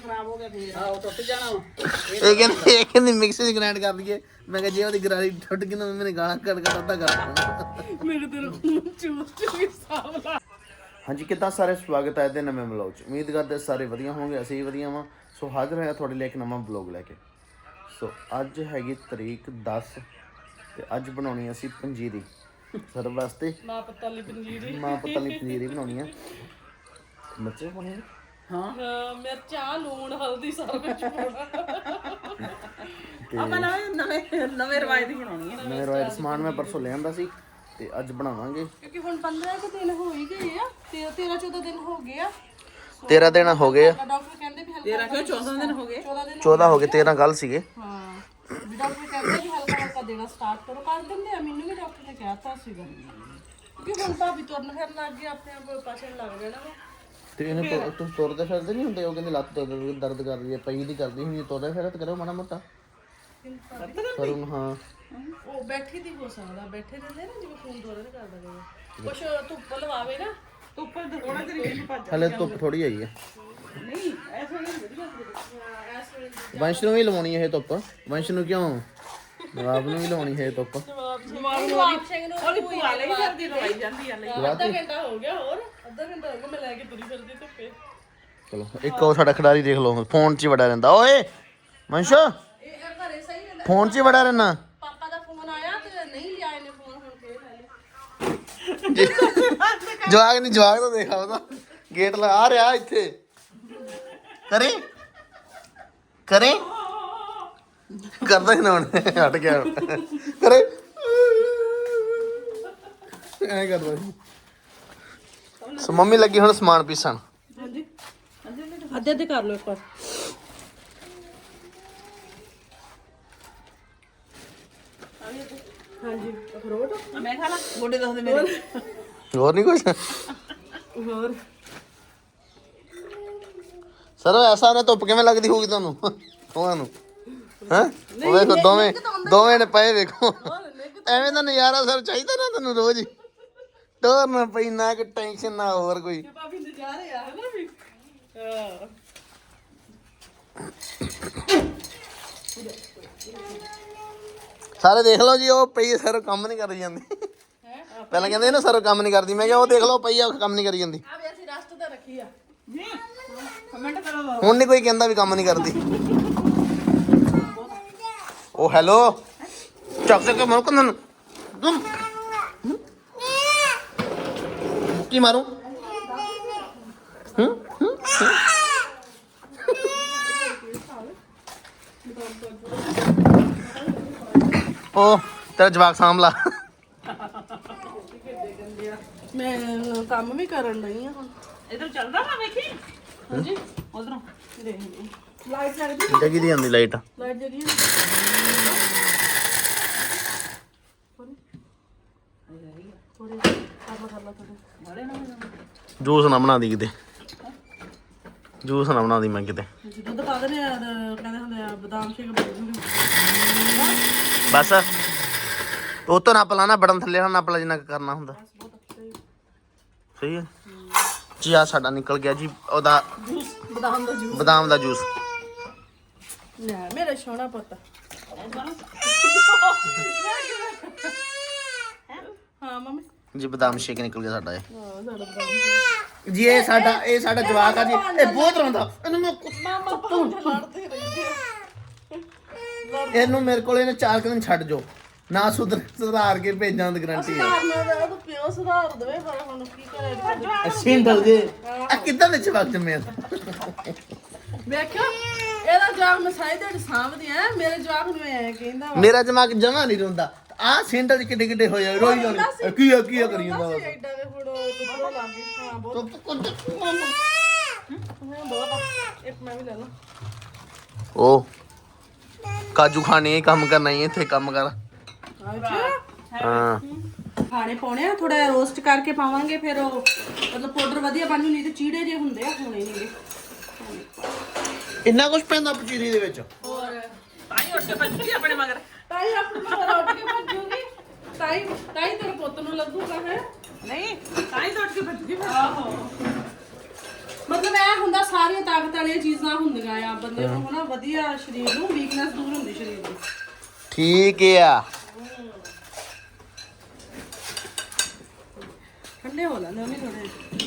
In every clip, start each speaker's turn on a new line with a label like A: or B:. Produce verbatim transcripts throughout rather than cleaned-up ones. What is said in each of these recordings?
A: ਖਰਾਬ ਹੋ ਗਿਆ ਫੇਰ ਆਹ ਟੁੱਟ ਜਾਣਾ
B: ਇਹ ਕਹਿੰਦੇ ਇਹ ਕਹਿੰਦੀ ਮਿਕਸੀ ਚ ਗ੍ਰਾਈਂਡ ਕਰ ਦਈਏ। ਮੈਂ ਕਿਹਾ ਜੇ ਉਹਦੀ ਗਰਾਰੀ ਟੁੱਟ ਗਈ ਨਾ ਮੇਰੇ ਗਾਲਾਂ ਕੱਢ ਕੱਢ ਅੱਧਾ ਕਰ
A: ਮੇਰੇ ਤੇ ਚੂਸ ਚੂਸ ਸਾਵਲਾ।
B: ਹਾਂਜੀ ਕਿੱਦਾਂ ਸਾਰੇ, ਸਵਾਗਤ ਹੈ ਇਹਦੇ ਨਵੇਂ ਵਲੌਗ 'ਚ। ਉਮੀਦ ਕਰਦੇ ਸਾਰੇ ਵਧੀਆ ਹੋਣਗੇ, ਅਸੀਂ ਵੀ ਵਧੀਆ ਵਾਂ। ਸੋ ਹਾਜ਼ਰ ਹੋਇਆ ਤੁਹਾਡੇ ਲਈ ਇੱਕ ਨਵਾਂ ਵਲੌਗ ਲੈ ਕੇ। ਸੋ ਅੱਜ ਹੈਗੀ ਤਰੀਕ ਦਸ ਤੇ ਅੱਜ ਬਣਾਉਣੀ ਅਸੀਂ ਪੰਜੀਰੀ ਸਰ ਵਾਸਤੇ।
A: ਮਾਂ ਪੱਤਾ ਲਈ ਪੰਜੀਰੀ
B: ਮਾਂ ਪਤਾ ਨਹੀਂ ਪੰਜੀਰੀ ਬਣਾਉਣੀ ਆ। ਮਿਰਚ ਪਾਉਣੀ
A: ਹਾਂ, ਮਿਰਚਾਂ ਲੂਣ ਹਲਦੀ ਸਾਰਾ ਕੁਝ ਪਾਉਣਾ।
C: ਆਪਾਂ ਨਵੇਂ ਨਵੇਂ ਨਵੇਂ ਰਵਾਇਤ ਦੀ ਬਣਾਉਣੀ ਹੈ।
B: ਨਵੇਂ ਰੋਇਲ ਸਮਾਨ ਮੈਂ ਪਰਸੋਂ ਲੈ ਆਂਦਾ ਸੀ ਤੇ ਅੱਜ ਬਣਾਵਾਂਗੇ।
A: ਕਿਉਂਕਿ ਹੁਣ ਪੰਦਰਾਂ ਕੁ ਦਿਨ ਹੋ ਹੀ ਗਏ ਆ, ਤੇਰਾਂ ਚੌਦਾਂ ਦਿਨ ਹੋ ਗਏ ਆ।
B: ਤੇਰਾਂ ਦਿਨ ਹੋ ਗਏ ਆ।
A: ਡਾਕਟਰ ਕਹਿੰਦੇ ਵੀ ਹਲਕਾ
C: ਤੇਰਾਂ ਕਿਉਂ ਚੌਦਾਂ ਦਿਨ ਹੋ ਗਏ?
A: ਚੌਦਾਂ ਦਿਨ
B: ਚੌਦਾਂ ਹੋ ਗਏ, ਤੇਰਾਂ ਕੱਲ ਸੀਗੇ।
A: ਹਾਂ, ਵੀ ਡਾਕਟਰ ਕਹਿੰਦੇ ਵੀ ਹਲਕਾ ਹਲਕਾ ਦੇਣਾ ਸਟਾਰਟ ਕਰੋ। ਕਰ ਦਿੰਦੇ ਆ, ਮੈਨੂੰ ਵੀ ਡਾਕਟਰ ਨੇ ਕਿਹਾ ਤਾਂ ਸੀਗਾ ਕਿਉਂਕਿ ਹੁਣ ਭਾਬੀ ਤੁਰਨ ਫਿਰਨ ਲੱਗ ਗਈ, ਆਪਣੇ ਆਪ ਪਾਛਣ ਲੱਗ ਜਾਣਾ ਵਾ।
B: ਤੇ ਇਹਨੂੰ ਤੁਸੀਂ ਤੁਰਦੇ ਫਿਰਦੇ ਨਹੀਂ ਹੁੰਦੇ? ਉਹ ਕਹਿੰਦੇ ਲੱਤ ਦਰਦ ਦਰਦ ਕਰ ਰਹੀ ਹੈ, ਪਈ ਦੀ ਕਰਦੀ ਹੁੰਦੀ। ਤੁਰਦੇ ਫਿਰਦੇ ਕਰੋ ਮਾੜਾ ਮੋਟਾ ਕਰੂੰ। ਹਾਂ
A: ਉਹ ਬੈਠੀ ਦੀ ਹੋ ਸਕਦਾ, ਬੈਠੇ ਰਹਿੰਦੇ ਨਾ ਜਿਵੇਂ ਫੋਨ ਦੋਰੇ ਕਰਦਾ ਗਿਆ। ਕੁਛ ਧੁੱਪ ਲਵਾਵੇ ਨਾ,
C: ਧੁੱਪ ਦਿਖਾਉਣਾ ਤੇਰੀ ਮੈਨੂੰ ਭੱਜ
B: ਹਲੇ ਧੁੱਪ ਥੋੜੀ ਆਈ ਹੈ।
C: ਨਹੀਂ ਐਸਾ ਨਹੀਂ ਵਧੀਆ
A: ਇਸ ਵੇਲੇ
B: ਵੰਸ਼ ਨੂੰ ਵੀ ਲਵਾਉਣੀ ਹੈ ਇਹ ਧੁੱਪ। ਵੰਸ਼ ਨੂੰ ਕਿਉਂ? ਨਵਾਬ ਨੂੰ ਵੀ ਲਵਾਉਣੀ ਹੈ ਇਹ ਧੁੱਪ।
A: ਜਵਾਬ ਸਿੰਘ ਨੂੰ
C: ਉਹਦੀ ਭੂਆ ਲਈ ਫਿਰਦੀ ਲਵਾਈ ਜਾਂਦੀ ਆ ਲਈ।
A: ਅੱਧਾ ਘੰਟਾ ਹੋ ਗਿਆ, ਹੋਰ ਅੱਧਾ ਘੰਟਾ ਹੋ ਗਿਆ ਮੈਂ ਲੈ ਕੇ ਤੁਰੀ ਫਿਰਦੀ ਧੁੱਪੇ।
B: ਚਲੋ ਇੱਕ ਉਹ ਸਾਡਾ ਖਿਡਾਰੀ ਦੇਖ ਲਓ, ਫੋਨ 'ਚ ਹੀ ਵੜਾ ਰਹਿੰਦਾ। ਓਏ ਵੰਸ਼,
A: ਇਹ ਘਰੇ ਸਹੀ ਰਹਿੰਦਾ।
B: ਫੋਨ 'ਚ ਹੀ ਵੜਾ ਰਹਿਣਾ।
A: ਪਾਪਾ ਦਾ ਫੋਨ ਆਇਆ ਤੇ ਨਹੀਂ ਲਿਆ ਇਹਨੇ ਫੋਨ, ਹੁਣ ਫੇਰ ਲੈ ਲਿਆ।
B: ਜਵਾਗ ਨਹੀਂ, ਜਵਾਗ ਤਾਂ ਦੇਖਾ ਉਹਦਾ ਗੇਟ ਲਗਾ ਰਿਹਾ ਇੱਥੇ। ਕਰੇ ਕਰੇ ਕਰਦਾ ਹੀ ਨਾ ਹੁਣ, ਹਟ ਗਿਆ ਕਰੇ ਐ ਕਰਦਾ ਸੀ। ਸੋ ਮੰਮੀ ਲੱਗੀ ਹੁਣ ਸਮਾਨ ਪੀਸਣ।
A: ਹਾਂਜੀ ਅੱਧੇ ਅੱਧੇ ਕਰ ਲਓ ਇੱਕ ਵਾਰ। ਹਾਂਜੀ ਅਖਰੋਟ
C: ਮੈਂ ਖਾ ਲਾ ਗੋਡੇ ਦੱਸਦੇ ਮੇਰੇ।
B: ਹੋਰ ਨਹੀਂ ਕੁਛ
A: ਹੋਰ
B: ਸਰ। ਐਸਾ ਉਹਨੇ ਧੁੱਪ ਕਿਵੇਂ ਲੱਗਦੀ ਹੋਊਗੀ ਤੁਹਾਨੂੰ ਉਹਨਾਂ ਨੂੰ? ਹੈਂ ਉਹ ਵੇਖੋ ਦੋਵੇਂ ਦੋਵੇਂ ਨੇ ਪਏ, ਵੇਖੋ ਐਵੇਂ ਦਾ ਨਜ਼ਾਰਾ ਸਰ ਚਾਹੀਦਾ ਨਾ ਤੁਹਾਨੂੰ ਰੋਜ਼ ਹੀ। ਡੋਰ ਨਾ ਪਈ ਨਾ ਕਿ ਟੈਨਸ਼ਨ ਨਾ ਹੋਰ ਕੋਈ।
A: ਭਾਬੀ ਨਜ਼ਾਰੇ ਆ ਹਨਾ ਵੀ। ਹਾਂ
B: ਸਾਰੇ ਦੇਖ ਲਓ ਜੀ, ਉਹ ਪਈ ਸਰ ਕੰਮ ਨਹੀਂ ਕਰੀ ਜਾਂਦੀ। ਪਹਿਲਾਂ ਕਹਿੰਦੇ ਨਾ ਸਰ ਕੰਮ ਨਹੀਂ ਕਰਦੀ, ਮੈਂ ਕਿਹਾ ਉਹ ਦੇਖ ਲਓ ਪਈ ਆ ਕੰਮ ਨਹੀਂ ਕਰੀ ਜਾਂਦੀ।
A: ਆ ਵੀ ਅਸੀਂ ਰਸਤ ਤਾਂ ਰੱਖੀ ਆ।
C: ਜੀ ਕਮੈਂਟ ਕਰੋ।
B: ਹੁਣ ਨਹੀਂ ਕੋਈ ਕਹਿੰਦਾ ਵੀ ਕੰਮ ਨਹੀਂ ਕਰਦੀ। ਉਹ ਹੈਲੋ ਚੱਕ ਚੱਕ ਮਾਰੂ ਕੰਨ ਕੀ ਮਾਰੂ? ਹੂੰ ਉਹ ਤੇਰਾ ਜਵਾਕ ਸਾਂਭਲਾ।
A: ਮੈਂ ਕੰਮ ਵੀ ਕਰਨ ਲਈ ਆ ਹੁਣ।
C: ਇਧਰ ਚੱਲਦਾ ਵਾ ਵੇਖੀ।
A: ਹਾਂਜੀ
C: ਉਧਰੋਂ
A: ਦੇਖ ਲਾਈਟ ਲੱਗਦੀ,
B: ਜਗੀ ਦੀ ਆਉਂਦੀ ਲਾਈਟ।
A: ਲਾਈਟ ਜਗੀ ਥੋੜੀ ਕੰਮ ਕਰ ਲਾ ਥੋੜੀ।
C: ਮਾਰੇ ਨਾ
B: ਜੂਸ ਨਾ ਬਣਾ ਦੀ ਕਿਤੇ, ਜੂਸ ਨਾ ਬਣਾ ਦੀ ਮੈਂ ਕਿਤੇ।
A: ਦੁੱਧ ਪਾ ਦਿੰਦੇ ਆ, ਕਹਿੰਦੇ ਹੁੰਦੇ ਆ ਬਦਾਮ ਸ਼ੇਕ ਬਣਾ ਦਿੰਦੇ।
B: ਬਸ ਉਹ ਤੋਂ ਨੱਪ ਲਾਣਾ, ਬਟਨ ਥੱਲੇ ਨਾਲ ਨੱਪ ਲਾ ਜਿੰਨਾ ਕੁ ਕਰਨਾ ਹੁੰਦਾ। ਸਹੀ ਹੈ ਜੀ। ਆ ਸਾਡਾ ਨਿਕਲ ਗਿਆ ਜੀ ਉਹਦਾ
A: ਜੂਸ, ਬਦਾਮ ਦਾ ਜੂਸ।
B: ਬਦਾਮ ਦਾ ਜੂਸ।
A: ਲੈ ਮੇਰਾ ਸੋਹਣਾ ਪੁੱਤ। ਹਾਂ ਮੰਮੀ।
B: ਜੀ ਬਦਾਮ ਸ਼ੇਕ ਨਿਕਲ ਗਿਆ ਸਾਡਾ ਇਹ।
A: ਹਾਂ ਸਾਡਾ ਬਦਾਮ।
B: ਜੀ ਇਹ ਸਾਡਾ ਇਹ ਸਾਡਾ ਜਵਾਕ ਆ ਜੀ, ਇਹ ਬਹੁਤ ਰੋਂਦਾ। ਇਹਨੂੰ ਮੈਂ
A: ਮਾਮਾ ਭਾਂਡੇ ਲੜਦੇ ਰਹਿੰਦੇ ਆ।
B: ਇਹਨੂੰ ਮੇਰੇ ਕੋਲ ਇਹਨੇ ਚਾਰ ਕੁ ਦਿਨ ਛੱਡ ਜੋ, ਨਾ ਸੁਧਰ ਸੁਧਾਰ ਕੇ ਭੇਜਾਂ ਦੀ ਗਰੰਟੀ ਹੈ।
A: ਸੁਧਾਰਨਾ ਦਾ ਉਹ ਪਿਓ ਸੁਧਾਰ ਦੇਵੇ, ਪਰ ਹੁਣ ਕੀ ਕਰੇ।
B: ਸਿੰਡਲ ਜੇ ਆ ਕਿੱਦਾਂ ਦੇ ਜਵਾਕ ਜੰਮਿਆ।
A: ਵੇਖਿਓ ਇਹਦਾ ਜਵਾਕ ਮੈਂ ਸਾਈ ਦੇ ਸਾਹਮਣੇ ਆ, ਮੇਰੇ ਜਵਾਕ ਨੂੰ ਐ ਕਹਿੰਦਾ ਵਾ।
B: ਮੇਰਾ ਜਵਾਕ ਜਮਾ ਨਹੀਂ ਰੋਂਦਾ। ਆ ਸਿੰਡਲ ਕਿੱਡੇ ਕਿੱਡੇ ਹੋਏ ਰੋਈ ਜਾਂਦੇ। ਕੀ ਆ ਕੀ ਆ ਕਰੀ ਜਾਂਦਾ
A: ਬਸ ਐਡਾ ਦੇ ਫੋੜੋ ਦੁੱਧੋ ਲੱਗ ਗਈ। ਹਾਂ ਬਹੁਤ ਹਾਂ ਬਹੁਤ ਆ। ਇੱਕ ਮੈਂ ਵੀ ਲੈ ਲਾਂ।
B: ਉਹ ਕਾਜੂ ਖਾਣੇ ਕੰਮ ਕਰਨਾ ਹੀ ਇੱਥੇ ਕੰਮ ਕਰ। ਹਾਂ
A: ਖਾਣੇ ਪਾਉਣੇ ਆ, ਥੋੜਾ ਰੋਸਟ ਕਰਕੇ ਪਾਵਾਂਗੇ, ਫਿਰ ਉਹ ਮਤਲਬ ਪਾਊਡਰ ਵਧੀਆ ਬਣ ਜੂ। ਨਹੀਂ ਤੇ ਚੀੜੇ ਜੇ ਹੁੰਦੇ ਆ, ਹੋਣੇ ਨਹੀਂ।
B: ਇੰਨਾ ਕੁਝ ਪੈਂਦਾ ਪਚੀਰੀ ਦੇ ਵਿੱਚ।
A: ਹੋਰ
C: ਤਾਈ ਉੱਠ ਕੇ ਭੱਜੀ ਆਪਣੇ ਮਗਰ।
A: ਤਾਈ ਆਪਣੇ ਮਗਰ ਉੱਠ ਕੇ ਭੱਜੂਗੀ। ਤਾਈ ਤਾਈ ਤੇਰੇ ਪੁੱਤ ਨੂੰ ਲੱਗੂਗਾ ਹੈ।
C: ਨਹੀਂ ਤਾਈ ਤਾਂ ਉੱਠ ਕੇ ਭੱਜੀ।
A: ਆਹੋ ਮਤਲਬ ਇਹ ਹੁੰਦਾ ਸਾਰੀਆਂ ਤਾਕਤ ਵਾਲੀਆਂ ਚੀਜ਼ਾਂ ਹੁੰਦੀਆਂ ਆ ਬੰਦੇ ਨੂੰ ਹਨਾ ਵਧੀਆ ਸਰੀਰ ਨੂੰ ਵੀਕਨੈਸ ਦੂਰ ਹੁੰਦੀ ਸਰੀਰ ਦੀ।
B: ਠੀਕ ਆ।
A: ਠੰਡੇ ਹੋ ਲੈਂਦੇ ਉਹਨੇ ਥੋੜੇ।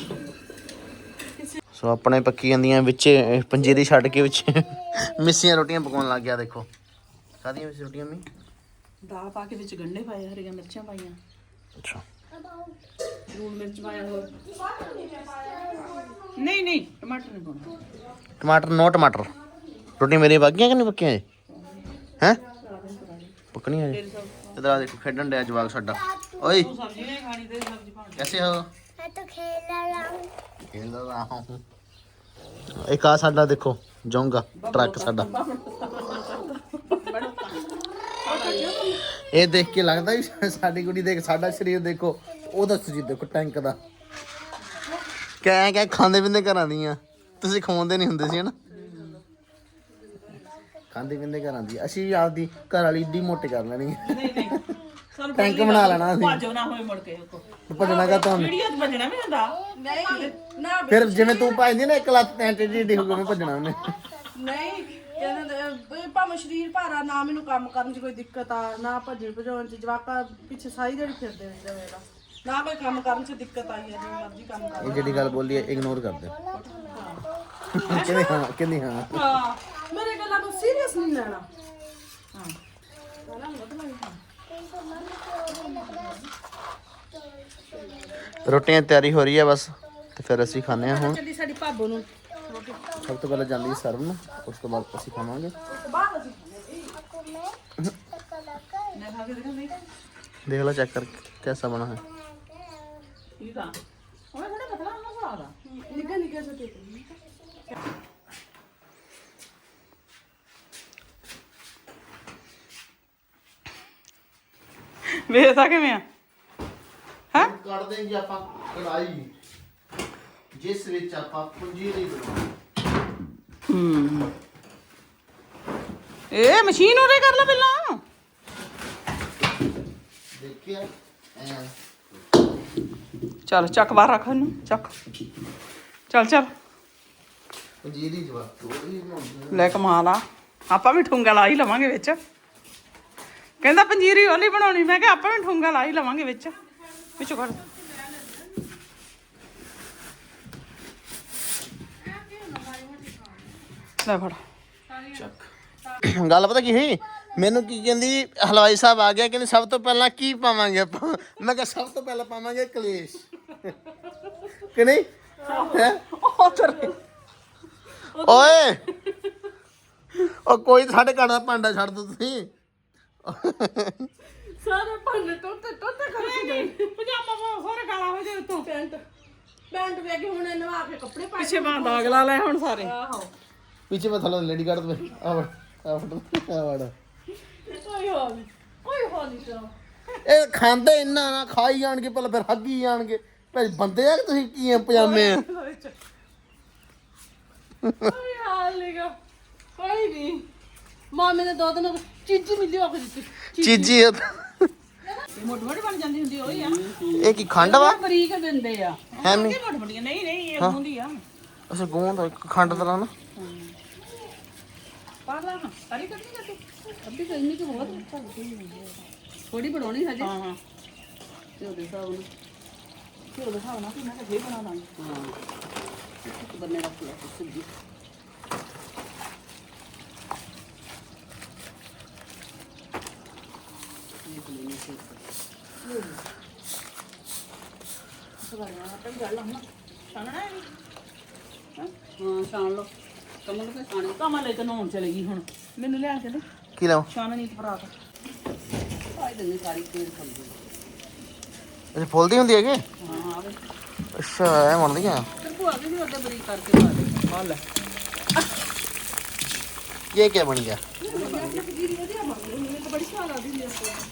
B: ਸੋ ਆਪਣੇ ਪੱਕੀ ਜਾਂਦੀਆਂ ਵਿੱਚ ਪੰਜੀਰੀ ਛੱਡ ਕੇ ਵਿੱਚ ਮਿੱਸੀਆਂ ਰੋਟੀਆਂ ਪਕਾਉਣ ਲੱਗ ਗਿਆ। ਦੇਖੋ ਕਾਹਦੀਆਂ ਵਿੱਚ ਰੋਟੀਆਂ ਮੀ
A: ਦਾਲ ਪਾ ਕੇ ਵਿੱਚ ਗੰਢੇ ਪਾਏ, ਹਰੀਆਂ ਮਿਰਚਾਂ ਪਾਈਆਂ,
B: ਅੱਛਾ
A: ਲੂਣ ਮਿਰਚ ਪਾਇਆ ਹੋਰ।
C: ਨਹੀਂ ਨਹੀਂ ਟਮਾਟਰ ਨਹੀਂ ਪਾਉਣਾ।
B: ਟਮਾਟਰ ਨੋ ਟਮਾਟਰ। ਰੋਟੀ ਮੇਰੀ ਪੱਕੀਆਂ ਕਿ ਨਹੀਂ ਪੱਕੀਆਂ ਜੀ ਹੈ ਪੱਕਣੀਆਂ ਜੀ। ਇਧਰ ਆ ਦੇਖੋ ਖੇਡਣ ਡਿਆ ਜਵਾਕ ਸਾਡਾ। ਓਏ
C: ਸਬਜ਼ੀ ਨਹੀਂ ਖਾਣੀ ਤੇ ਸਬਜ਼ੀ ਪਾਉਣੀ।
B: कैसे हो? मैं तो खेल रहा हूँ खेल रहा हूँ एक आ साडा देखो जाऊंगा ट्रक साडा ਇਹ ਦੇਖ ਕੇ ਲੱਗਦਾ ਵੀ ਸਾਡੀ ਕੁੜੀ ਦੇਖ ਸਾਡਾ ਸਰੀਰ ਦੇਖੋ ਉਹਦਾ ਸਰੀਰ ਦੇਖੋ ਟੈਂਕ ਦਾ ਕਹਿ ਕਹਿ ਖਾਂਦੇ ਪੀਂਦੇ ਘਰਾਂ ਦੀਆਂ ਤੁਸੀਂ ਖਵਾਉਂਦੇ ਨਹੀਂ ਹੁੰਦੇ ਸੀ ਹਨਾ ਖਾਂਦੇ ਪੀਂਦੇ ਘਰਾਂ ਦੀ ਅਸੀਂ ਆਪਦੀ ਘਰ ਵਾਲੀ ਏਡੀ ਮੋਟੀ ਕਰ ਲੈਣੀ
C: ਨਹੀਂ ਨਹੀਂ ਸਾਨੂੰ
B: ਟੈਂਕ ਬਣਾ ਲੈਣਾ ਅਸੀਂ
C: ਭਾਜੋ ਨਾ ਹੋਏ ਮੁੜ ਕੇ
B: ਭੱਜਣਾ ਕਾ ਤੁਹਾਨੂੰ
C: ਵੀਡੀਓ 'ਚ ਭੱਜਣਾ ਵੀ ਹੁੰਦਾ।
A: ਨਹੀਂ ਨਾ
B: ਫਿਰ ਜਿਵੇਂ ਤੂੰ ਭੱਜਦੀ ਨਾ ਇੱਕ ਲੱਤ ਐਂ ਟੇਢੀ ਟੇਢੀ ਹੋ ਕੇ ਮੈਂ ਭੱਜਣਾ ਉਹਨੇ
A: ਨਹੀਂ ਕਹਿੰਦੇ ਵੀ ਭਾਵੇਂ ਸਰੀਰ ਭਾਰਾ ਨਾ ਮੈਨੂੰ ਕੰਮ ਕਰਨ 'ਚ ਕੋਈ ਦਿੱਕਤ ਆ ਨਾ ਭੱਜਣ ਭਜਾਉਣ 'ਚ ਜਵਾਕਾਂ ਪਿੱਛੇ ਸਾਰੀ ਦਿਹਾੜੀ ਫਿਰਦੇ ਰਹਿੰਦੇ ਮੇਰਾ ਨਾ ਕੋਈ ਕੰਮ ਕਰਨ 'ਚ ਦਿੱਕਤ ਆਈ ਹੈ ਜਿਵੇਂ ਮਰਜ਼ੀ ਕੰਮ ਕਰ
B: ਇਹ ਜਿਹੜੀ ਗੱਲ ਬੋਲੀ ਹੈ ਇਗਨੋਰ ਕਰ ਦੇ ਕਹਿੰਦੀ ਹਾਂ ਕਹਿੰਦੀ ਹਾਂ
A: ਹਾਂ ਮੇਰੇ ਗੱਲਾਂ ਨੂੰ ਸੀਰੀਅਸ ਨਹੀਂ ਲੈਣਾ ਹਾਂ
B: ਰੋਟੀਆਂ ਦੀ ਤਿਆਰੀ ਹੋ ਰਹੀ ਹੈ ਬਸ ਤੇ ਫਿਰ ਅਸੀਂ ਖਾਣੇ ਆ ਹੁਣ
A: ਚੱਲੀ ਸਾਡੀ ਭਾਬੋ ਨੂੰ
B: ਸਭ ਤੋਂ ਪਹਿਲਾਂ ਜਾਂਦੀ ਹੈ ਸਰਵ ਨੂੰ ਉਸ ਤੋਂ ਬਾਅਦ ਅਸੀਂ ਖਾਵਾਂਗੇ
A: ਬਾਅਦ ਅਸੀਂ
C: ਮੈਂ ਖਾ ਕੇ ਦੇਖਾਂ ਨਹੀਂ
B: ਦੇਖ लो चेक कर कैसा बना है
C: ਠੀਕ ਆ ਉਹਨੇ ਥੋੜਾ ਪਤਲਾ ਹੋਣਾ ਸਵਾਦ ਆ।
A: ਨਿੱਘਾ ਨਿੱਘਾ ਜਿਹਾ ਦੇ ਦੇ
C: ਵੇਖਦਾ ਕਿਵੇਂ ਆ ਹੈ
B: ਕੱਢਦੇ ਜੀ ਆਪਾਂ ਕੜਾਈ ਜਿਸ ਵਿੱਚ ਆਪਾਂ ਪੰਜੀਰੀ ਬਣਾਉਣੀ
C: ਹੂੰ ਇਹ ਮਸ਼ੀਨ ਉਰੇ ਕਰ ਲੈ ਪਹਿਲਾਂ
B: ਦੇਖਿਆ ਐ
C: ਚੱਲ ਚੱਕ ਬਾਹਰ ਰੱਖ ਇਹਨੂੰ ਚੱਕ ਚੱਲ ਚੱਲ
B: ਪੰਜੀਰੀ ਜਵਾ ਥੋੜੀ ਬਣਾਉਣੀ
C: ਲੈ ਕਮਾਲ ਆ ਆਪਾਂ ਵੀ ਠੁੰਗਾ ਲਾ ਹੀ ਲਵਾਂਗੇ ਵਿੱਚ ਕਹਿੰਦਾ ਪੰਜੀਰੀ ਵਾਲੀ ਬਣਾਉਣੀ ਮੈਂ ਕਿਹਾ ਆਪਾਂ ਵੀ ਠੁੰਗਾ ਲਾ ਹੀ ਲਵਾਂਗੇ ਵਿੱਚ ਵਿੱਚੋਂ ਕੱਢ ਲੈ ਫੜ
B: ਗੱਲ ਪਤਾ ਕੀ ਹੋਈ ਮੈਨੂੰ ਕੀ ਕਹਿੰਦੀ ਹਲਵਾਈ ਸਾਹਿਬ ਆ ਗਿਆ ਕਹਿੰਦੇ ਸਭ ਤੋਂ ਪਹਿਲਾਂ ਕੀ ਪਾਵਾਂਗੇ ਆਪਾਂ ਮੈਂ ਕਿਹਾ ਸਭ ਤੋਂ ਪਹਿਲਾਂ ਪਾਵਾਂਗੇ ਕਲੇਸ਼ ਕਿ ਨਹੀਂ ਹੈ
C: ਉਹ ਤੇਰੇ
B: ਓਏ ਉਹ ਕੋਈ ਸਾਡੇ ਘਰ ਦਾ ਭਾਂਡਾ ਛੱਡ ਦੋ ਤੁਸੀਂ
A: ਸਾਰੇ ਭਾਂਡੇ ਟੋਟੇ ਟੋਟੇ ਕਰਕੇ ਗਏ
C: ਪਜਾਮਾ ਪਾ ਸਾਰੇ ਕਾਲਾ ਹੋ ਜਾਏ ਉੱਤੋਂ
A: ਪੈਂਟ ਪੈਂਟ ਵੇਖ ਕੇ ਹੁਣ ਨਵਾ ਕੇ ਕੱਪੜੇ ਪਾ
C: ਪਿੱਛੇ ਬਾਂਹ ਦਾਗ ਲਾ ਲੈ ਹੁਣ ਸਾਰੇ
A: ਆਹੋ
B: ਪਿੱਛੇ ਮੈਂ ਥੱਲੇ ਲੇਡੀ ਕੱਢ ਦੇ ਆ ਵੜ ਆ ਵੜ ਆ ਵੜ
A: ਕੋਈ ਹੋ ਨਹੀਂ ਕੋਈ ਹੋ ਨਹੀਂ ਚਲੋ
B: ਇਹ ਖਾਂਦੇ ਇੰਨਾ ਨਾ ਖਾਈ ਜਾਣਗੇ ਪਹਿਲਾਂ ਫਿਰ ਹੱਗੀ ਜਾਣਗੇ ਭਾਈ ਬੰਦੇ ਆ ਕਿ ਤੁਸੀਂ ਕੀ ਆ ਪਜਾਮੇ ਆ
A: ਕੋਈ ਹਾਲ ਨਹੀਂਗਾ ਕੋਈ ਨਹੀਂ ਮਾਮੇ ਨੇ ਦੋ ਦਿਨ ਚੀਜ਼ੀ ਮਿਲੀ ਆ ਕੇ ਦਿੱਤੀ
B: ਚੀਜੀ ਇਹ
C: ਮੋਟ ਮੋਟ ਬਣ ਜਾਂਦੀ ਹੁੰਦੀ ਉਹੀ ਆ
B: ਇਹ ਕੀ ਖੰਡ ਵਾ
A: ਬਰੀਕ ਦਿੰਦੇ ਆ
B: ਹੈ ਨਹੀਂ
C: ਮੋਟ ਮੋਟੀਆਂ ਨਹੀਂ ਨਹੀਂ ਇਹ ਹੁੰਦੀ ਆ
B: ਅੱਛਾ ਗੂੰਦ ਆ, ਇੱਕ ਖੰਡ ਤਰ੍ਹਾਂ ਨਾ
C: ਪਾ ਲਾ ਨਾ ਸਾਰੀ ਕੱਢੀ ਜਾ ਤੂੰ
A: ਅੱਧੀ ਕਰਨੀ ਕਿ ਬਹੁਤ ਥੋੜੀ ਬਣਾਉਣੀ ਹਜੇ
C: ਹਾਂ ਹਾਂ
A: ਤੇ ਉਹਦੇ ਹਿਸਾਬ ਨਾਲ
C: ਘਿਓ ਦਿਖਾਓ ਨਾ ਕਿ ਮੈਂ ਕਿਹਾ ਫੇਰ ਬਣਾ ਦਾਂਗੀ
A: ਹਾਂ ਇੱਕ ਬੰਨੇ ਰੱਖ ਲਿਆ ਸਬਜ਼ੀ
C: ਛਾਣਨਾ ਹੈ
A: ਹਾਂ ਛਾਣ ਲਓ ਕਮਲ ਕੇ ਛਾਣੇ
C: ਕਮਲ ਲੈ ਤੇ ਨਹਾਉਣ ਚਲੇ ਗਈ ਹੁਣ ਮੈਨੂੰ ਲਿਆ ਕੇ ਦੇ
B: ਕੀ ਲਾਉ
C: ਛਾਣਨੀ ਤੇ ਭਰਾ ਤਾ
A: ਪਾਈ ਦਿੰਦੇ ਸਾਰੀ ਤੇਲ ਸਬਜ਼ੀ
B: ਅੱਛਾ ਫੁੱਲਦੀ ਹੁੰਦੀ ਹੈਗੀ
A: ਹਾਂ ਆਵੇ
B: ਅੱਛਾ ਐ ਬਣਦੀਆਂ
A: ਤੇ ਭੂਆ ਵੀ ਨਹੀਂ ਉਹਦੇ ਬਰੀਕ ਕਰਕੇ ਪਾ ਦੇ
C: ਆ ਲੈ
B: ਇਹ ਕੀ ਬਣ ਗਿਆ
A: ਜੀਰੀ ਵਧੀਆ ਬਣ ਗਈ ਮੈਨੂੰ ਤਾਂ ਬੜੀ ਸਵਾਦ ਆਦੀ ਹੁੰਦੀ ਆ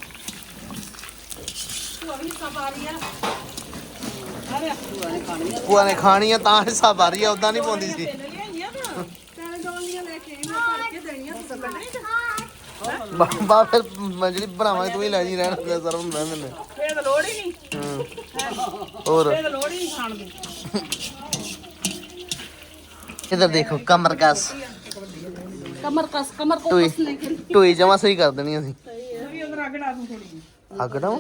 A: ਭੂਆ ਵੀ ਸਭ ਆ ਰਹੀ ਆ ਅਰੇ ਭੂਆ ਨੇ ਖਾਣੀ ਆ
B: ਭੂਆ ਨੇ ਖਾਣੀ ਆ ਤਾਂ ਹਿੱਸਾ ਭਰ ਰਹੀ ਆ ਉਦਾਂ ਨਹੀਂ ਪਾਉਂਦੀ ਸੀ
C: ਲੈ ਲਿਆਈਆਂ ਤਾਂ
A: ਪੈਣੇ ਡੋਲੀਆਂ ਲੈ ਕੇ ਆਈ ਮੈਂ ਭਰ ਕੇ ਦੇਣੀਆਂ ਤੂੰ ਕੱਢਣੀ ਤੇ
B: ਬਾਬਾ ਫਿਰ ਮੈਂ ਜਿਹੜੀ ਬਣਾਵਾਂਗੇ ਤੂੰ ਹੀ ਲੈ ਜੀ ਰਹਿਣ ਦੇ ਸਰਵ ਮੈਂ ਮੈਨੂੰ
C: ਫੇਰ ਤਾਂ ਲੋੜ ਹੀ ਨਹੀਂ
B: ਹੋਰ
C: ਫੇਰ ਤਾਂ ਲੋੜ ਹੀ ਨਹੀਂ ਖਾਣ ਦੀ
B: इधर देखो कमर कस
A: कमर कस कमर को
B: टोई
A: कसने के लिए
B: टोई जमा सही कर देनी ਅਸੀਂ
C: ਵੀ ਉਧਰ ਅੱਗ ਲਾ ਦੂੰ ਥੋੜੀ
B: ਅੱਗ ਡਾਉ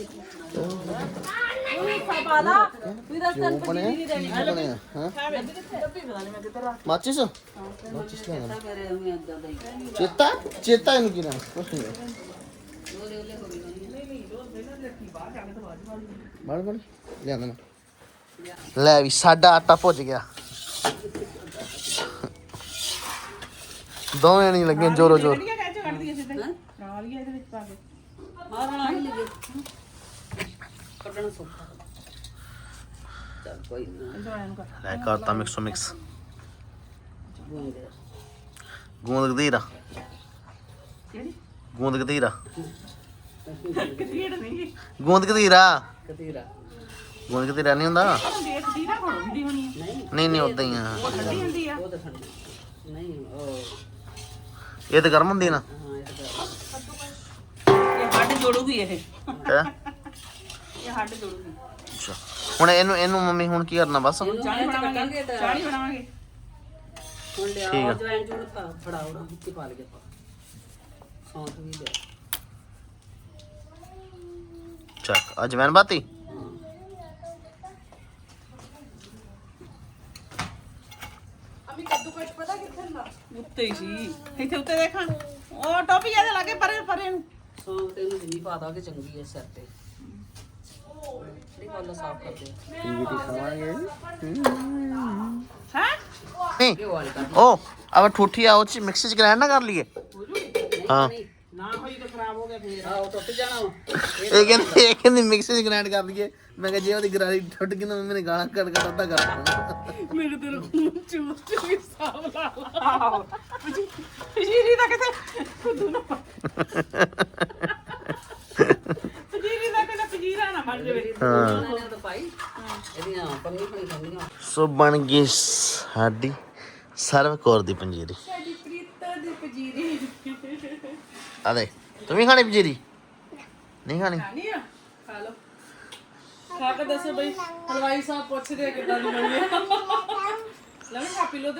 A: पाला इधर से
B: ਬਣਿਆ ਕੀ ਬਣਿਆ ਹਾਂ ਮਾਚਿਸ ਮਾਚਿਸ ਲੈ ਚੇਤਾ ਚੇਤਾ ਇਹਨੂੰ ਕੀ ਨਾਮ ਕੁਛ ਨਹੀਂ ਬਣ ਬਣ ਲਿਆਂਦਾ ਮੈਂ ਲੈ ਵੀ ਸਾਡਾ ਆਟਾ ਭੁੱਜ ਗਿਆ ਦੋਵੇਂ ਨਹੀਂ ਲੱਗੇ ਜੋਰੋ ਜੋਰ
C: ਕਿਹੜੀਆਂ ਕਹਿ ਚ ਕੱਢਦੀ ਅਸੀਂ ਤੇ ਨਾਲ ਹੀ ਇਹਦੇ ਵਿੱਚ ਪਾ ਕੇ
A: मारना ही लगे कटना सोखा चल कोई ना
C: ਇਧਰ ਆਇਆ ਨੂੰ ਕਰ
B: ਲੈ ਕਰਤਾ ਮਿਕਸੋ ਮਿਕਸ
A: गूंद
B: ਗੂੰਦ ਗਦੀਰਾ
C: ਕਿਹੜੀ
B: ਗੂੰਦ ਗਦੀਰਾ
C: ਕਿਹੜੀ ਨਹੀਂ
B: ਗੂੰਦ ਗਦੀਰਾ
A: कतीरा
B: ਗੂੰਦ ਗਦੀਰਾ ਨਹੀਂ ਹੁੰਦਾ
C: ਦੇਖਦੀ ਨਾ ਕੋਲ ਹੁੰਦੀ ਹੋਣੀ ਹੈ
B: ਨਹੀਂ ਨਹੀਂ ਉਦਾਂ ਹੀ ਆ
C: ਠੰਡੀ ਹੁੰਦੀ ਆ
A: वो तो ठंडी नहीं ओ
B: ਇਹ ਤਾਂ ਗਰਮ ਹੁੰਦੀ ਨਾ
A: हां ये तो
C: ਇਹ ਹੱਡ ਜੋੜੂਗੀ ਇਹ
B: ਹੈ
C: ਇਹ ਹੱਡ ਜੋੜੂਗੀ
B: ਅੱਛਾ ਹੁਣ ਇਹਨੂੰ ਇਹਨੂੰ ਮੰਮੀ ਹੁਣ ਕੀ ਕਰਨਾ ਬਸ
C: ਚਾਣੀ ਬਣਾਵਾਂਗੇ ਚਾਣੀ ਬਣਾਵਾਂਗੇ
A: ਹੁਣ ਲਿਆ
B: ਠੀਕ ਆ।
A: ਜਵੈਨ ਜੁੜਤਾ ਫੜਾਓ ਨਾ ਮਿੱਟੀ ਪਾ ਲਈਏ ਆਪਾਂ ਸੌਂਫ ਵੀ ਲਿਆ
B: ਚੱਕ ਅਜਵੈਨ ਬਾਤੀ
A: ਅਮੀ ਕੱਦੂ ਕੱਟ ਪਤਾ ਕਿੱਥੇ ਨਾ
C: ਉੱਤੇ ਹੀ ਸੀ ਇੱਥੇ ਉੱਤੇ ਦੇਖਾਂ ਉਹ ਟੋਪੀ ਇਹਦੇ ਲਾਗੇ ਪਰੇ ਪਰੇ ਨੂੰ
A: ਸੌਂਫ ਤੇ ਇਹਨੂੰ ਜਿੰਨੀ ਪਾ ਦਾਂਗੇ ਚੰਗੀ ਐ ਸਿਰ ਤੇ ਥੋੜੀ ਕੋਲ ਸਾਫ ਕਰਦੇ ਆ
B: ਖਾਵਾਂਗੇ
C: ਹੈ
B: ਨਹੀਂ
A: ਇਹ ਵਾਲੀ ਕਰ
B: ਉਹ ਅਬ ਠੂਠੀ ਆ ਉਹ ਚ ਮਿਕਸੀ ਚ ਗ੍ਰਾਈਂਡ ਨਾ ਕਰ ਲਈਏ ਹਾਂ
C: ਨਾ ਹੋਈ ਤਾਂ ਖਰਾਬ ਹੋ ਗਿਆ ਫੇਰ
A: ਆਹ ਟੁੱਟ ਜਾਣਾ ਵਾ।
B: ਇਹ ਕਹਿੰਦੀ ਇਹ ਕਹਿੰਦੀ ਮਿਕਸੀ ਚ ਗ੍ਰਾਈਂਡ ਕਰ ਲਈਏ ਮੈਂ ਕਿਹਾ ਜੇ ਉਹਦੀ ਗਰਾਰੀ ਟੁੱਟ ਗਈ ਨਾ ਮੰਮੀ ਨੇ ਗਾਲਾਂ ਕੱਢ ਕੱਢ ਅੱਧਾ ਕਰ ਦੇਣਾ
C: ਮੇਰੇ ਦਿਲ ਨੂੰ ਚੂਸ ਚੂਸ ਸਾਹ ਲਾ ਲਾ ਜੀਰੀ ਦਾ ਕਿਤੇ ਖੁਦ ਨਾ ਜੀਰੀ ਦਾ ਕਿਤੇ ਪਜੀਰਾ ਨਾ ਬਣ ਜਾਵੇ
A: ਉਹਨਾਂ ਨੇ ਤਾਂ ਪਾਈ ਇਹਦੀਆਂ ਪੰਨੀ ਪੰਨੀ ਖਾਂਦੀਆਂ
B: ਸੋ ਬਣ ਗਈ ਸਾਡੀ ਸਰਵ ਕੌਰ ਦੀ ਪੰਜੀਰੀ
C: ਸਾਡੀ ਪ੍ਰੀਤਾ ਦੀ ਪਜੀਰੀ
B: ਆ ਦੇ ਤੂੰ ਵੀ ਖਾਣੀ ਪੰਜੀਰੀ ਨਹੀਂ ਖਾਣੀ
C: ਨਹੀਂ ਆ ਖਾ ਲਓ
A: ਖਾ ਕੇ ਦੱਸੋ ਬਈ ਹਲਵਾਈ ਸਾਹਿਬ ਪੁੱਛਦੇ ਆ ਕਿੱਦਾਂ ਦੀ ਬਣੀ ਹੈ
C: ਲੈ ਮੈਂ ਖਾ ਪੀ ਲੋ ਦੇ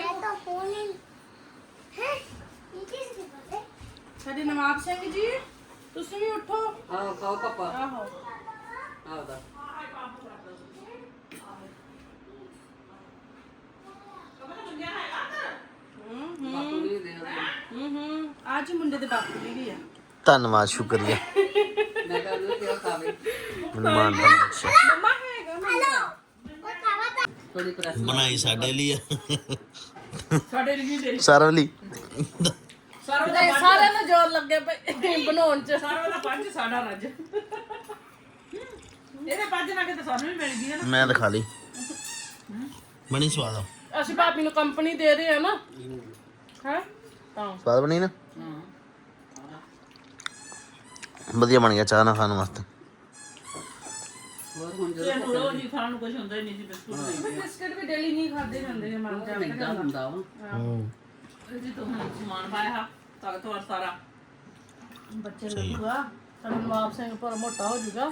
A: ਸਾਡੇ ਨਵਾਬ ਸਿੰਘ ਜੀ ਤੁਸੀਂ ਵੀ ਉੱਠੋ
D: ਆਹ ਖਾਓ ਪਾਪਾ
C: ਆਹੋ
D: ਆਹ ਦਾ ਬਾਪੂ ਵੀ ਦੇ ਦੇ
A: ਹੂੰ ਹੂੰ ਅੱਜ ਮੁੰਡੇ ਦੇ ਬਾਪੂ ਦੀ ਵੀ ਆ
B: ਧੰਨਵਾਦ ਸ਼ੁਕਰੀਆ
D: ਮੈਂ ਕਹਿੰਦਾ ਕਿ ਖਾਵੇ
B: ਮੈਨੂੰ ਮਾਨਤਾ ਬਖਸ਼ਿਆ
A: ਮੰਮਾ ਹੈਗਾ ਮੰਮਾ
D: ਥੋੜੀ ਪ੍ਰੈਸ
B: ਬਣਾਈ ਸਾਡੇ ਲਈ
C: ਸਾਡੇ ਲਈ ਦੇ
B: ਸਰਵ ਲਈ
C: ਸਰਵ
A: ਤੇ ਸਾਰਿਆਂ ਨੂੰ ਜ਼ੋਰ ਲੱਗੇ ਪਏ ਬਣਾਉਣ ਚ
C: ਸਰਵ ਦਾ ਪੰਜ ਸਾਡਾ ਰੱਜ ਇਹਦੇ ਪੰਜ ਨਾ ਕਿਤੇ ਸਾਨੂੰ ਵੀ ਮਿਲ ਗਈ ਹੈ ਨਾ
B: ਮੈਂ ਤਾਂ ਖਾ ਲਈ ਬਣੀ ਸਵਾਦ ਆ
A: ਅਸੀਂ ਭਾਬੀ ਨੂੰ ਕੰਪਨੀ ਦੇ ਰਹੇ ਆ ਨਾ ਹੈ ਤਾਂ
B: ਸਵਾਦ ਬਣੀ ਨਾ ਵਧੀਆ ਬਣ ਗਿਆ ਚਾਹ ਨਾਲ ਖਾਣ ਵਾਸਤੇ
D: ਹੋਰ ਹੁਣ
C: ਤੇ ਹੁਣ ਉਹ ਜੀ ਖਾਣ ਨੂੰ ਕੁਝ ਹੁੰਦਾ ਹੀ ਨਹੀਂ ਸੀ ਬਿਸਕੁਟ ਨਹੀਂ
A: ਬਿਸਕਟ ਵੀ ਡੇਲੀ ਨਹੀਂ ਖਾਦੇ ਜਾਂਦੇ ਜੇ ਮਨ ਜਾ
D: ਮਹਿੰਗਾ ਹੁੰਦਾ ਵਾ
C: ਜੀ ਤੋਂ ਹੁਣ ਸਮਾਨ ਪਾਇਆ ਤਾਕਤਵਰ ਸਾਰਾ
A: ਬੱਚੇ ਲੱਗੂਗਾ ਸਾਡਾ ਨਵਾਬ ਸਿੰਘ ਪਰ ਮੋਟਾ ਹੋ ਜਾਊਗਾ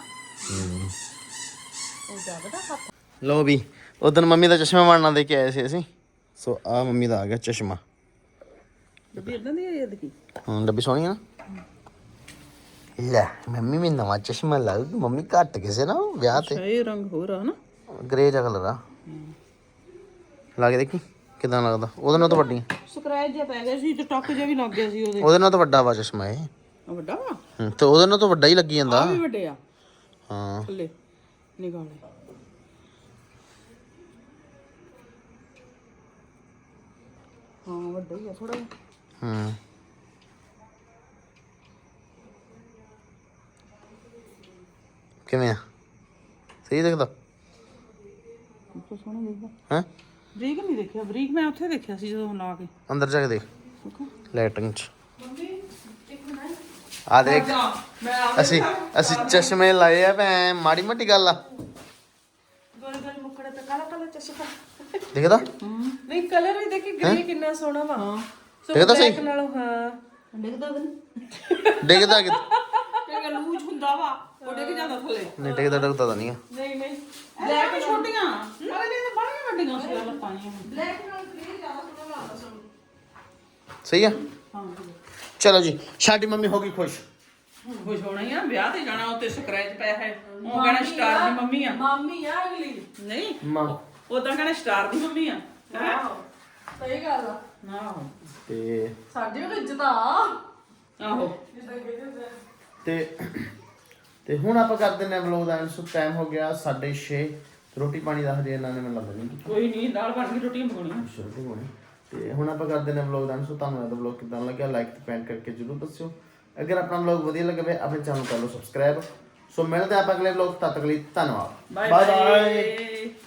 A: ਉਹ ਜਾ ਬੇਟਾ ਹੱਥ
B: ਲੋ ਵੀ ਉਦੋਂ ਮੰਮੀ ਦਾ ਚਸ਼ਮਾ ਬਣਨਾ ਦੇ ਕੇ ਆਏ ਸੀ ਅਸੀਂ ਸੋ ਆ ਮੰਮੀ ਦਾ ਆ ਗਿਆ ਚਸ਼ਮਾ
C: ਵੀ ਇਦਾਂ ਦੀ ਇਹ ਦੇਖੀ
B: ਹਾਂ ਡੱਬੀ ਸੋਹਣੀ ਆ ਨਾ ਲੈ ਮੰਮੀ ਵੀ ਨਵਾਂ ਚਸ਼ਮਾ ਲਾ ਲਈ ਮੰਮੀ ਘੱਟ ਕਿਸੇ ਨਾ ਵਿਆਹ ਤੇ
C: ਇਹ ਰੰਗ ਹੋ ਰਹਾ ਨਾ
B: ਗ੍ਰੇ ਜਿਹਾ ਕਲਰ ਆ ਲਾ ਕੇ ਦੇਖੀ ਕਿਦਾਂ ਲੱਗਦਾ ਉਹਦੇ ਨਾਲ ਤਾਂ ਵੱਡੀ
C: ਸਕ੍ਰੈਚ ਜਿਹਾ ਪੈ ਗਿਆ ਸੀ ਤੇ ਟੱਕ ਜਿਹਾ ਵੀ ਲੱਗ ਗਿਆ ਸੀ ਉਹਦੇ
B: ਉਹਦੇ ਨਾਲ ਤਾਂ ਵੱਡਾ ਵਾ ਚਸ਼ਮਾ ਇਹ
C: ਉਹ ਵੱਡਾ ਵਾ
B: ਹੂੰ, ਤੇ ਉਹਦੇ ਨਾਲ ਤਾਂ ਵੱਡਾ ਹੀ ਲੱਗੀ ਜਾਂਦਾ
C: ਆ ਵੀ ਵੱਡੇ ਆ
B: ਹਾਂ
C: ਥੱਲੇ ਨਿਗਾਲੇ ਹਾਂ ਵੱਡਾ ਹੀ ਆ ਥੋੜਾ
B: ਹੂੰ ਕਿਵੇਂ ਆ ਸਹੀ ਦਿਖਦਾ
C: ਬਹੁਤ ਸੋਹਣਾ ਦੇਖਦਾ
B: ਹੈ
C: ਬਰੀਕ ਨਹੀਂ ਦੇਖਿਆ ਬਰੀਕ ਮੈਂ ਉੱਥੇ ਦੇਖਿਆ ਸੀ ਜਦੋਂ ਲਾ ਕੇ
B: ਅੰਦਰ ਜਾ ਕੇ ਦੇਖ
C: ਦੇਖੋ
B: ਲਾਈਟਿੰਗ ਚ ਆ ਦੇਖ ਅਸੀਂ ਅਸੀਂ ਚਸ਼ਮੇ ਲਾਏ ਆ ਭੈ ਮਾੜੀ ਮੋਟੀ ਗੱਲ ਆ
A: ਗੋਲ ਗੋਲ ਮੁਖੜਾ ਤੇ ਕਾਲਾ ਕਾਲਾ ਚਸ਼ਮਾ
B: ਦਿਖਦਾ
A: ਨਹੀਂ ਕਲਰ ਵੀ ਦੇਖੀ ਗ੍ਰੇ ਕਿੰਨਾ ਸੋਹਣਾ ਵਾ ਹਾਂ
B: ਦਿਖਦਾ ਸਹੀ
A: ਨਾਲੋਂ ਹਾਂ
C: ਦੇਖਦਾ ਉਹਦੇ
B: ਦਿਖਦਾ ਕਿ
C: ਵਰਗਾ ਲੂਜ ਹੁੰਦਾ ਵਾ ਉਹ ਡਿੱਗ ਜਾਂਦਾ ਥੱਲੇ
B: ਨਹੀਂ ਟਿਕਦਾ ਟਿਕਦਾ ਤਾਂ ਨਹੀਂ ਆ
C: ਨਹੀਂ ਨਹੀਂ ਬਲੈਕ ਛੋਟੀਆਂ ਪਰ ਇਹ ਬੜੀਆਂ ਵੱਡੀਆਂ ਸੀ ਗੱਲ ਪਾਈਆਂ
A: ਬਲੈਕ ਨਾਲ ਗ੍ਰੀਨ ਜ਼ਿਆਦਾ ਸੋਹਣਾ ਲੱਗਦਾ ਸੂਟ।
B: ਸਹੀ ਆ
C: ਹਾਂ
B: ਚਲੋ ਜੀ ਸਾਡੀ ਮੰਮੀ ਹੋ ਗਈ ਖੁਸ਼
C: ਖੁਸ਼ ਹੋਣਾ ਹੀ ਆ ਵਿਆਹ ਤੇ ਜਾਣਾ ਉੱਤੇ ਸਕ੍ਰੈਚ ਪਿਆ ਹੈ ਉਹ ਕਹਿਣਾ ਸਟਾਰ ਦੀ ਮੰਮੀ ਆ
A: ਮਾਮੀ ਆ ਅਗਲੀ
C: ਨਹੀਂ
B: ਮਾਂ
C: ਉਦਾਂ ਕਹਿਣਾ ਸਟਾਰ ਦੀ ਮੰਮੀ ਆ ਹੈਂ?
A: ਸਹੀ ਗੱਲ ਆ
C: ਆਹੋ
B: ਤੇ
A: ਸਾਡੀ ਵੀ ਇੱਜ਼ਤ ਆ
C: ਆਹੋ
B: ਤੇ ਤੇ ਹੁਣ ਆਪਾਂ ਕਰ ਦਿੰਦੇ ਹਾਂ ਵਲੋਗ ਦਾ ਸੋ ਟਾਈਮ ਹੋ ਗਿਆ ਸਾਢੇ ਛੇ ਰੋਟੀ ਪਾਣੀ ਦਾ ਹਜੇ ਇਹਨਾਂ ਨੇ ਮੈਨੂੰ ਲੱਗਦਾ ਨਹੀਂ ਕੀਤਾ
C: ਕੋਈ ਨਹੀਂ ਦਾਲ ਬਣ ਗਈ ਰੋਟੀਆਂ ਪਕਾਉਣੀਆਂ
B: ਰੋਟੀ ਪਾਣੀ ਤੇ ਹੁਣ ਆਪਾਂ ਕਰ ਦਿੰਦੇ ਹਾਂ ਵਲੋਗ ਦਾ ਸੋ ਤੁਹਾਨੂੰ ਇਹਦਾ ਵਲੋਗ ਕਿਦਾਂ ਲੱਗਿਆ ਲਾਈਕ ਤੇ ਕਮੈਂਟ ਕਰਕੇ ਜਰੂਰ ਦੱਸਿਓ ਅਗਰ ਆਪਣਾ ਵਲੋਗ ਵਧੀਆ ਲੱਗੇ ਆਪਣੇ ਚੈਨਲ ਕਰ ਲਓ ਸਬਸਕ੍ਰਾਈਬ ਸੋ ਮਿਲਦੇ ਆਪਾਂ ਅਗਲੇ ਵਲੋਗ ਤਦ ਤੱਕ ਲਈ ਧੰਨਵਾਦ
C: ਬਾਏ ਬਾਏ